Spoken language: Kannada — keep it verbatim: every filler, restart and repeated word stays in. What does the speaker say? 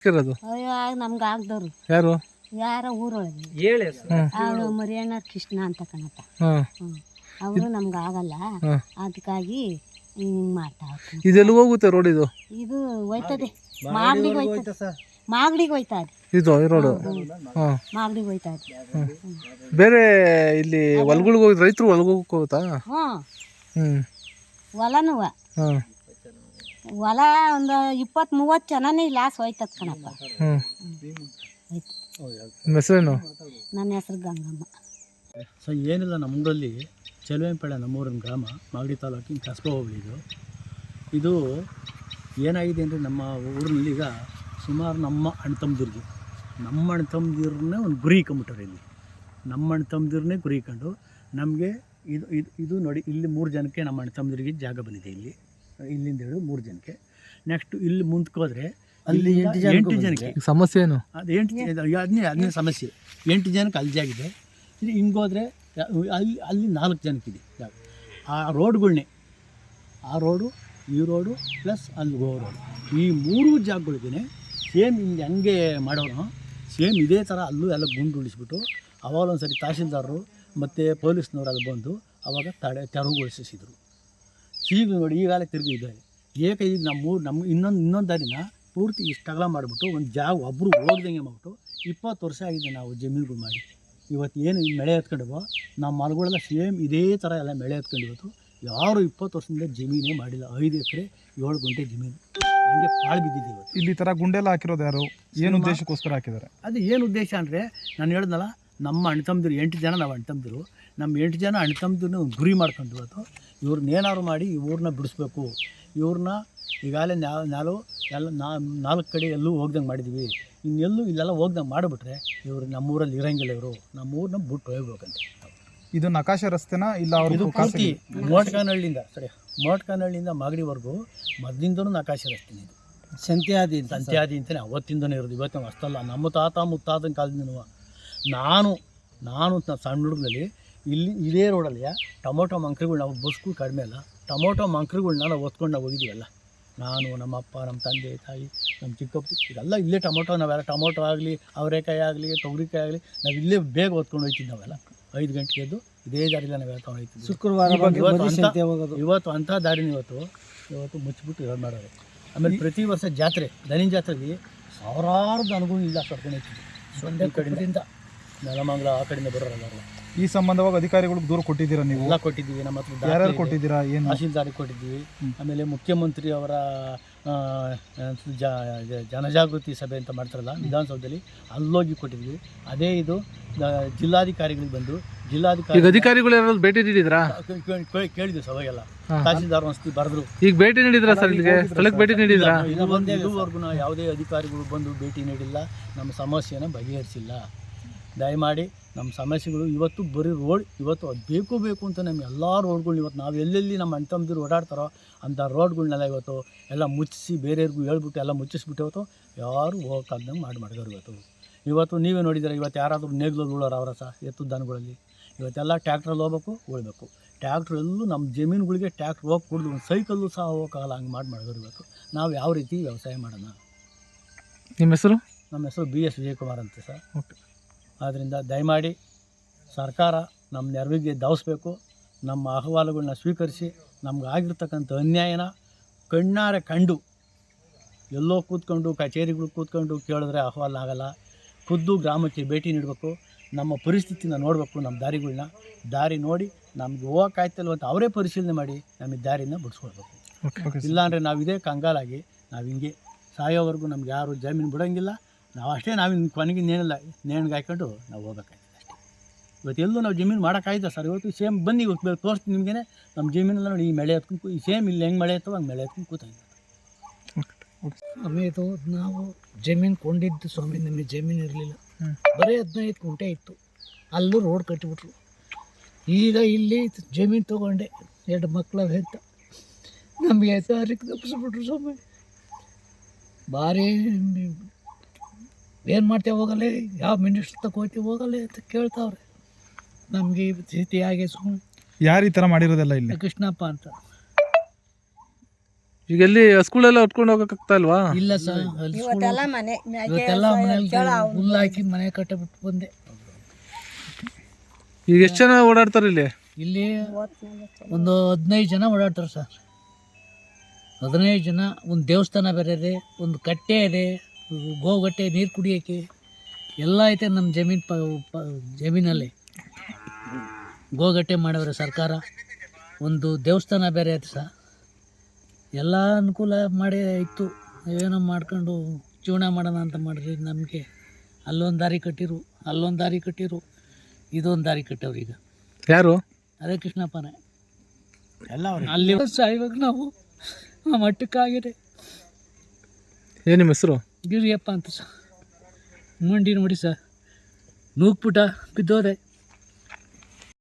ಇರೋದು ಅಯ್ಯೋ ನಮ್ಗೆ ಆಗ್ದವ್ರು ಯಾರು ಯಾರ ಊರೊಳಗೆ ಹೇಳಿ ಅವನು ಮರಿಯಣ್ಣ ಕೃಷ್ಣ ಅಂತ ಕಣಪ್ಪ. ಹಾಂ ಹ್ಞೂ ಅವರು ನಮ್ಗೆ ಆಗಲ್ಲ, ಅದಕ್ಕಾಗಿ ಹಿಂಗೆ ಮಾಡ್ತಾ ಹೋಗ್ತೀನಿ. ಇದೆಲ್ಲ ಹೋಗುತ್ತೆ ರೋಡ್ ಇದು ಇದು ಹೋಯ್ತದೆ ಮಾಗಡಿಗೆ ಹೋಯ್ತದೆ, ಮಾಗಡಿಗೆ ಹೋಯ್ತಾ ಇದೆ ಇದು ಈ ರೋಡು. ಹಾಂ ಮಾಗಡಿಗೆ ಹೋಯ್ತಾ ಇದೆ. ಬೇರೆ ಇಲ್ಲಿ ಹೊಲ್ಗಳಿಗೆ ಹೋಗಿ ರೈತರು ಹೊಲ್ಗೆ ಹೋಗ್ತಾ? ಹ್ಞೂ ಹ್ಞೂ ಹೊಲನೂ ಹಾಂ ಹೊಲ ಒಂದು ಇಪ್ಪತ್ತು ಮೂವತ್ತು ಜನನೇ ಲಾಸ್ ಹೋಯ್ತದ ಕಣಪ್ಪ. ಹ್ಞೂ ಹೋಯ್ತು. ನಿಮ್ಮ ಹೆಸರೇನು? ನನ್ನ ಹೆಸರು ಗಂಗಮ್ಮ. ಸೊ ಏನಿಲ್ಲ, ನಮ್ಮೂರಲ್ಲಿ ಚೆಲುವೆಂಪೇಳೆ ನಮ್ಮೂರಿನ ಗ್ರಾಮ, ಮಾಗಡಿ ತಾಲೂಕಿನ ಕಸ್ಬಾ ಹೋಬಳಿ ಇದು. ಇದು ಏನಾಗಿದೆ ಅಂದರೆ ನಮ್ಮ ಊರಿನಲ್ಲಿ ಈಗ ಸುಮಾರು ನಮ್ಮ ಅಣ್ಣ ತಮ್ಮದಿರಿಗೆ ನಮ್ಮ ಅಣ್ಣ ತಮ್ಮದಿರನ್ನೇ ಒಂದು ಗುರಿ ಇಟ್ಕೊಂಬಿಟ್ಟಾರೆ. ಇಲ್ಲಿ ನಮ್ಮ ಅಣ್ಣ ತಮ್ಮದಿರನ್ನೇ ಗುರಿ ಇಟ್ಕೊಂಡು ನಮಗೆ ಇದು ಇದು ಇದು ನೋಡಿ, ಇಲ್ಲಿ ಮೂರು ಜನಕ್ಕೆ ನಮ್ಮ ಅಣ್ಣ ತಮ್ಮದಿರಿಗೆ ಜಾಗ ಬಂದಿದೆ. ಇಲ್ಲಿ ಇಲ್ಲಿಂದ ಹೇಳಿ ಮೂರು ಜನಕ್ಕೆ. ನೆಕ್ಸ್ಟ್ ಇಲ್ಲಿ ಮುಂದಕ್ಕೋದ್ರೆ ಅಲ್ಲಿ ಎಂಟು ಜನಕ್ಕೆ ಸಮಸ್ಯೆ ಏನು? ಅದು ಎಂಟು ಅದನ್ನೇ ಅದನ್ನೇ ಸಮಸ್ಯೆ. ಎಂಟು ಜನಕ್ಕೆ ಅಲ್ಲಿ ಜಾಗಿದೆ. ಇಲ್ಲಿ ಹಿಂಗೋದ್ರೆ ಅಲ್ಲಿ ಅಲ್ಲಿ ನಾಲ್ಕು ಜನಕ್ಕಿದೆ ಜಾಗ. ಆ ರೋಡ್ಗಳ್ನೇ ಆ ರೋಡು ಈ ರೋಡು ಪ್ಲಸ್ ಅಲ್ಲಿ ಗೋ ರೋಡು, ಈ ಮೂರು ಜಾಗಗಳಿಗೇ ಸೇಮ್ ಹಿಂಗೆ ಹಂಗೆ ಮಾಡೋರು ಸೇಮ್ ಇದೇ ಥರ ಅಲ್ಲೂ ಎಲ್ಲ ಗುಂಡು ಉಳಿಸ್ಬಿಟ್ಟು ಅವಾಗ ಒಂದು ಸರಿ ತಹಶೀಲ್ದಾರರು ಮತ್ತು ಪೊಲೀಸ್ನವ್ರು ಅಲ್ಲಿ ಬಂದು ಅವಾಗ ತಡೆ ತೆರವುಗೊಳಿಸಿದ್ರು. ಈಗ ನೋಡಿ ಈಗಾಗಲೇ ತಿರುಗಿ ಇದ್ದಾರೆ. ಏಕ ಈಗ ನಮ್ಮ ನಮ್ಮ ಇನ್ನೊಂದು ಇನ್ನೊಂದು ದಾರಿನ ಪೂರ್ತಿ ಇಷ್ಟಗಲ ಮಾಡಿಬಿಟ್ಟು ಒಂದು ಜಾಗ ಒಬ್ಬರು ಹೋಗ್ದಂಗೆ ಮಾಡಿಬಿಟ್ಟು ಇಪ್ಪತ್ತು ವರ್ಷ ಆಗಿದೆ ನಾವು ಜಮೀನುಗಳು ಮಾಡಿ. ಇವತ್ತು ಏನು ಮಳೆ ಎತ್ಕೊಂಡಿವೋ ನಮ್ಮ ಮರಗಳೆಲ್ಲ ಸೇಮ್ ಇದೇ ಥರ ಎಲ್ಲ ಮಳೆ ಎತ್ಕೊಂಡಿವತ್ತು. ಯಾರು ಇಪ್ಪತ್ತು ವರ್ಷದಿಂದ ಜಮೀನೇ ಮಾಡಿಲ್ಲ. ಐದು ಎಕರೆ ಏಳು ಗುಂಟೆ ಜಮೀನು ಹಂಗೆ ಪಾಳು ಬಿದ್ದಿದೆ ಇವತ್ತು. ಇಲ್ಲಿ ಥರ ಗುಂಡೆಲ್ಲ ಹಾಕಿರೋದು ಯಾರು? ಏನು ಉದ್ದೇಶಕ್ಕೋಸ್ಕರ ಹಾಕಿದ್ದಾರೆ? ಅದು ಏನು ಉದ್ದೇಶ ಅಂದರೆ, ನಾನು ಹೇಳಿದ್ನಲ್ಲ, ನಮ್ಮ ಅಣ್ಣ ತಮ್ಮದಿರು ಎಂಟು ಜನ ನಾವು ಅಣ್ಣ ತಮ್ಮದಿರು ನಮ್ಮ ಎಂಟು ಜನ ಅಣ್ಣ ತಮ್ಮದಿರನ್ನ ಒಂದು ಗುರಿ ಮಾಡ್ಕೊಂಡು ಇವತ್ತು ಇವ್ರನ್ನ ಏನಾದ್ರು ಮಾಡಿ ಇವ್ರನ್ನ ಬಿಡಿಸ್ಬೇಕು. ಇವ್ರನ್ನ ಈಗಾಗಲೇ ನಾವು ನಾವು ಎಲ್ಲ ನಾಲ್ಕು ಕಡೆ ಎಲ್ಲೂ ಹೋಗ್ದಂಗೆ ಮಾಡಿದ್ದೀವಿ. ಇನ್ನೆಲ್ಲೂ ಇಲ್ಲೆಲ್ಲ ಹೋಗ್ದಂಗೆ ಮಾಡಿಬಿಟ್ರೆ ಇವರು ನಮ್ಮೂರಲ್ಲಿ ಇರೋಂಗಿಲ್ಲ. ಇವರು ನಮ್ಮೂರನ್ನ ಬಿಟ್ಟು ಹೋಗ್ಬೇಕಂತ. ಇದು ನಕಾಶೆ ರಸ್ತೆನಾ ಇಲ್ಲ? ಇದು ಪೂರ್ತಿ ಮೋಟ್ಕಾನಹಳ್ಳಿಯಿಂದ ಸರಿ ಮೋಟ್ಕಾನಹಳ್ಳಿಯಿಂದ ಮಾಗಡಿವರೆಗೂ ಮೊದಲಿಂದನೂ ನಕಾಶೆ ರಸ್ತೆನೇ. ಇದು ಸಂತ್ಯಾದಿ ಸಂತ್ಯಾದಿ ಅಂತಲೇ ಅವತ್ತಿಂದನೇ ಇರೋದು. ಇವತ್ತು ನಾವು ಅಷ್ಟಲ್ಲ, ನಮ್ಮ ತಾತ ಮುತ್ತಾತನ ಕಾಲದಿಂದನೂ ನಾನು ನಾನು ಸಣ್ಣ ಹುಡುಗನಲ್ಲಿ ಇಲ್ಲಿ ಇದೇ ರೋಡಲ್ಲಿ ಟೊಮೊಟೊ ಮಂಕ್ರಿಗಳು ನಾವು ಬಸ್ಗಳು ಕಡಿಮೆ ಅಲ್ಲ, ಟೊಮೊಟೊ ಮಂಕ್ರಿಗಳನ್ನ ನಾವು ಹೊತ್ಕೊಂಡು ನಾವು ಹೋಗಿದ್ದೀವಲ್ಲ. ನಾನು ನಮ್ಮ ಅಪ್ಪ ನಮ್ಮ ತಂದೆ ತಾಯಿ ನಮ್ಮ ಚಿಕ್ಕಪ್ಪ ಇದೆಲ್ಲ ಇಲ್ಲೇ ಟೊಮೊಟೊ ನಾವೆಲ್ಲ ಟೊಮೊಟೊ ಆಗಲಿ ಅವರೆಕಾಯಿ ಆಗಲಿ ತೊಗರಿಕಾಯಿ ಆಗಲಿ ನಾವು ಇಲ್ಲೇ ಬೇಗ ಹೊತ್ಕೊಂಡು ಹೋಗ್ತಿದ್ದು. ನಾವೆಲ್ಲ ಐದು ಗಂಟೆಗೆ ಎದ್ದು ಇದೇ ದಾರಿಲ್ಲ ನಾವು ಹೇಳ್ಕೊಂಡು ಹೋಗ್ತಿದ್ವಿ. ಶುಕ್ರವಾರ ಇವತ್ತು ಇವತ್ತು ಅಂಥ ದಾರಿನ ಇವತ್ತು ಇವತ್ತು ಮುಚ್ಚಿಬಿಟ್ಟು ಇದು ಮಾಡೋರು. ಆಮೇಲೆ ಪ್ರತಿ ವರ್ಷ ಜಾತ್ರೆ ದನಿ ಜಾತ್ರೆಗೆ ಸಾವಿರಾರು ದನಗಳು ಇಲ್ಲ ಕರ್ಕೊಂಡು ಹೋಗ್ತಿದ್ವಿ. ಸೊಂಡೆ ಕಡೆಯಿಂದ ನೆಲಮಂಗಲ ಆ ಕಡೆಯಿಂದ ಬರೋರಲ್ಲ. ಈ ಸಂಬಂಧವಾಗಿ ಅಧಿಕಾರಿಗಳಿಗೆ ದೂರ ಕೊಟ್ಟಿದ್ದೀರಾ ನೀವು? ಎಲ್ಲ ಕೊಟ್ಟಿದ್ದೀವಿ. ನಮ್ಮ ಹತ್ರ ಯಾರ್ಯಾರು ಕೊಟ್ಟಿದ್ದೀರಾ? ಏನು? ತಹಶೀಲ್ದಾರಿಗೆ ಕೊಟ್ಟಿದ್ದೀವಿ. ಆಮೇಲೆ ಮುಖ್ಯಮಂತ್ರಿ ಅವರ ಜನಜಾಗೃತಿ ಸಭೆ ಅಂತ ಮಾಡ್ತಾರಲ್ಲ ವಿಧಾನಸೌಧದಲ್ಲಿ, ಅಲ್ಲೋಗಿ ಕೊಟ್ಟಿದ್ವಿ. ಅದೇ ಇದು ಜಿಲ್ಲಾಧಿಕಾರಿಗಳಿಗೆ ಬಂದು ಜಿಲ್ಲಾಧಿಕಾರಿ ಅಧಿಕಾರಿಗಳು ಯಾರು ಭೇಟಿ ನೀಡಿದ್ರಾ? ಕೇಳಿದ್ವಿ ಸಭೆಗೆಲ್ಲ. ತಹಶೀಲ್ದಾರ್ ಒಂದ್ಸತಿ ಬರೆದ್ರು. ಈಗ ಭೇಟಿ ನೀಡಿದ್ರಾ ಸರ್? ಇಲ್ಲಿಗೆ ಸ್ಥಳಕ್ಕೆ ಭೇಟಿ ನೀಡಿದ್ರಾ? ಇದುವರೆಗೂ ಯಾವುದೇ ಅಧಿಕಾರಿಗಳು ಬಂದು ಭೇಟಿ ನೀಡಿಲ್ಲ, ನಮ್ಮ ಸಮಸ್ಯೆನ ಬಗೆಹರಿಸಿಲ್ಲ. ದಯಮಾಡಿ ನಮ್ಮ ಸಮಸ್ಯೆಗಳು ಇವತ್ತು ಬರೀ ರೋಡ್ ಇವತ್ತು ಅದು ಬೇಕು ಬೇಕು ಅಂತ ನಮಗೆ ಎಲ್ಲ ರೋಡ್ಗಳ್ನ ಇವತ್ತು ನಾವು ಎಲ್ಲೆಲ್ಲಿ ನಮ್ಮ ಅಣ್ಣ ತಮ್ಮದಿರು ಓಡಾಡ್ತಾರೋ ಅಂಥ ರೋಡ್ಗಳ್ನೆಲ್ಲ ಇವತ್ತು ಎಲ್ಲ ಮುಚ್ಚಿಸಿ ಬೇರೆಯವ್ರಿಗೂ ಹೇಳ್ಬಿಟ್ಟು ಎಲ್ಲ ಮುಚ್ಚಿಸ್ಬಿಟ್ಟು ಇವತ್ತು ಯಾರು ಹೋಗೋಕ್ಕಾಗ್ದಂಗೆ ಮಾಡಿ ಮಾಡಿದವರು. ಇವತ್ತು ಇವತ್ತು ನೀವೇ ನೋಡಿದರೆ ಇವತ್ತು ಯಾರಾದರೂ ನೇಗ್ಲಲ್ಲಿ ಉಳೋರು ಅವರ ಸಹ ಎತ್ತು ದನಗಳಲ್ಲಿ ಇವತ್ತೆಲ್ಲ ಟ್ಯಾಕ್ಟ್ರಲ್ಲಿ ಹೋಗ್ಬೇಕು ಉಳ್ಬೇಕು. ಟ್ಯಾಕ್ಟ್ರಲ್ಲೂ ನಮ್ಮ ಜಮೀನುಗಳಿಗೆ ಟ್ಯಾಕ್ಟ್ರ್ ಹೋಗಿ ಕುಡಿದು ಒಂದು ಸೈಕಲ್ಲು ಸಹ ಹೋಗೋಕ್ಕಾಗಲ್ಲ, ಹಂಗೆ ಮಾಡಿ ಮಾಡಿದವರು. ಇವತ್ತು ನಾವು ಯಾವ ರೀತಿ ವ್ಯವಸಾಯ ಮಾಡೋಣ? ನಿಮ್ಮ ಹೆಸರು? ನಮ್ಮ ಹೆಸರು ಬಿ ಎಸ್ ವಿಜಯಕುಮಾರ್ ಅಂತ ಸರ್. ಓಕೆ. ಆದ್ದರಿಂದ ದಯಮಾಡಿ ಸರ್ಕಾರ ನಮ್ಮ ನೆರವಿಗೆ ಧಾವಿಸ್ಬೇಕು. ನಮ್ಮ ಅಹವಾಲುಗಳನ್ನ ಸ್ವೀಕರಿಸಿ ನಮ್ಗೆ ಆಗಿರ್ತಕ್ಕಂಥ ಅನ್ಯಾಯನ ಕಣ್ಣಾರೆ ಕಂಡು, ಎಲ್ಲೋ ಕೂತ್ಕೊಂಡು ಕಚೇರಿಗಳು ಕೂತ್ಕೊಂಡು ಕೇಳಿದ್ರೆ ಅಹವಾಲು ಆಗಲ್ಲ. ಖುದ್ದು ಗ್ರಾಮಕ್ಕೆ ಭೇಟಿ ನೀಡಬೇಕು, ನಮ್ಮ ಪರಿಸ್ಥಿತಿನ ನೋಡಬೇಕು, ನಮ್ಮ ದಾರಿಗಳನ್ನ ದಾರಿ ನೋಡಿ ನಮ್ಗೆ ಹೋಗೋಕ್ಕಾಯ್ತಲ್ಲ ಅಂತ ಅವರೇ ಪರಿಶೀಲನೆ ಮಾಡಿ ನಮಗೆ ದಾರಿನ ಬಿಡಿಸ್ಕೊಳ್ಬೇಕು. ಇಲ್ಲಾಂದರೆ ನಾವು ಇದೇ ಕಂಗಾಲಾಗಿ ನಾವು ಹಿಂಗೆ ಸಾಯೋವರೆಗೂ ನಮ್ಗೆ ಯಾರು ಜಮೀನು ಬಿಡೋಂಗಿಲ್ಲ. ನಾವು ಅಷ್ಟೇ ನಾವಿನ್ನು ಕೊನೆಗೆ ಇನ್ನೇನಿಲ್ಲ, ನೇಣಿಗೆ ಹಾಕ್ಕೊಂಡು ನಾವು ಹೋಗ್ಬೇಕಾಯ್ತದೆ ಅಷ್ಟೇ. ಇವತ್ತು ಎಲ್ಲೂ ನಾವು ಜಮೀನು ಮಾಡೋಕ್ಕಾಯ್ತಾ ಸರ್? ಇವತ್ತು ಸೇಮ್ ಬನ್ನಿ ಇವತ್ತು ತೋರಿಸ್ತೀನಿ ನಿಮಗೇ. ನಮ್ಮ ಜಮೀನೆಲ್ಲ ನೋಡಿ ಈ ಮಳೆ ಎತ್ಕೊಂಡು ಈ ಸೇಮ್ ಇಲ್ಲಿ ಹೆಂಗೆ ಮಳೆ ಎತ್ತೋ ಹಂಗೆ ಮಳೆ ಎತ್ಕೊಂಡು ಕೂತಾಯಿದ್ದೆ. ಆಮೇಲೆ ನಾವು ಜಮೀನು ಕೊಂಡಿದ್ದು ಸ್ವಾಮಿ, ನಮಗೆ ಜಮೀನು ಇರಲಿಲ್ಲ, ಬರೀ ಹದಿನೈದು ಗುಂಟೆ ಇತ್ತು. ಅಲ್ಲೂ ರೋಡ್ ಕಟ್ಟಿಬಿಟ್ರು. ಈಗ ಇಲ್ಲಿ ಜಮೀನು ತೊಗೊಂಡೆ, ಎರಡು ಮಕ್ಕಳ ಹೆತ್ತ ನಮಗೆ ದಾರಿಗೆ ತಪ್ಪಿಸ್ಬಿಟ್ರು ಸ್ವಾಮಿ. ಭಾರಿ ಏನು ಮಾಡ್ತೇವೆ ಹೋಗಲ್ಲ, ಯಾವ ಮಿನಿಸ್ಟ್ರ್ ತಕ್ಕ ಹೋಗ್ತೀವಿ ಹೋಗಲ್ಲ ಅಂತ ಕೇಳ್ತಾವ್ರೆ. ನಮಗೆ ಸ್ಥಿತಿ ಹಾಗೆ ಸುಮ್ಮನೆ. ಯಾರು ಈ ಥರ ಮಾಡಿರೋದೆಲ್ಲ ಇಲ್ಲಿ? ಕೃಷ್ಣಪ್ಪ ಅಂತ. ಈಗ ಎಲ್ಲಿ ಸ್ಕೂಲೆಲ್ಲ ಹೊತ್ಕೊಂಡು ಹೋಗಕ್ಕಾಗ್ತಾ ಇಲ್ವಾ? ಇಲ್ಲ ಸರ್, ಅಲ್ಲಿ ಸ್ಕೂಲ್ ಇವತ್ತೆಲ್ಲ ಮನೆ ಇವತ್ತೆಲ್ಲ ಮನೇಲಿ ಹುಲ್ಲು ಹಾಕಿ ಮನೆ ಕಟ್ಟಬಿಟ್ಟು ಬಂದೆ. ಈಗ ಎಷ್ಟು ಜನ ಓಡಾಡ್ತಾರೆ ಇಲ್ಲಿ? ಇಲ್ಲಿ ಒಂದು ಹದಿನೈದು ಜನ ಓಡಾಡ್ತಾರೆ ಸರ್. ಹದಿನೈದು ಜನ. ಒಂದು ದೇವಸ್ಥಾನ ಬೇರೆ ಇದೆ, ಒಂದು ಕಟ್ಟೆ ಇದೆ, ಗೋಗಟ್ಟೆ ನೀರು ಕುಡಿಯೋಕ್ಕೆ ಎಲ್ಲ ಐತೆ ನಮ್ಮ ಜಮೀನು ಪ ಪ ಜಮೀನಲ್ಲಿ. ಗೋಗಟ್ಟೆ ಮಾಡವ್ರೆ ಸರ್ಕಾರ. ಒಂದು ದೇವಸ್ಥಾನ ಬೇರೆ ಐತೆ ಸರ್. ಎಲ್ಲ ಅನುಕೂಲ ಮಾಡಿ ಇತ್ತು. ಏನೋ ಮಾಡ್ಕೊಂಡು ಜೀವನ ಮಾಡೋಣ ಅಂತ ಮಾಡಿರಿ. ನಮಗೆ ಅಲ್ಲೊಂದು ದಾರಿ ಕಟ್ಟಿರು, ಅಲ್ಲೊಂದು ದಾರಿ ಕಟ್ಟಿರು, ಇದೊಂದು ದಾರಿ ಕಟ್ಟವ್ರು. ಈಗ ಯಾರು? ಅದೇ ಕೃಷ್ಣಪ್ಪನೇ ಎಲ್ಲ ಅವ್ರೆ. ಅಲ್ಲಿ ಸಾಯುವಾಗ ನಾವು ಆ ಮಟ್ಟಕ್ಕಾಗಿದೆ. ಏನು ನಿಮ್ಮ ಹೆಸರು? ಗಿರಿಯಪ್ಪ ಅಂತ ಸರ್. ಮಂಡಿ ನೋಡಿ ಸರ್, ನೂಕ್ಬಿಟ್ಟ ಬಿದ್ದೋದೆ.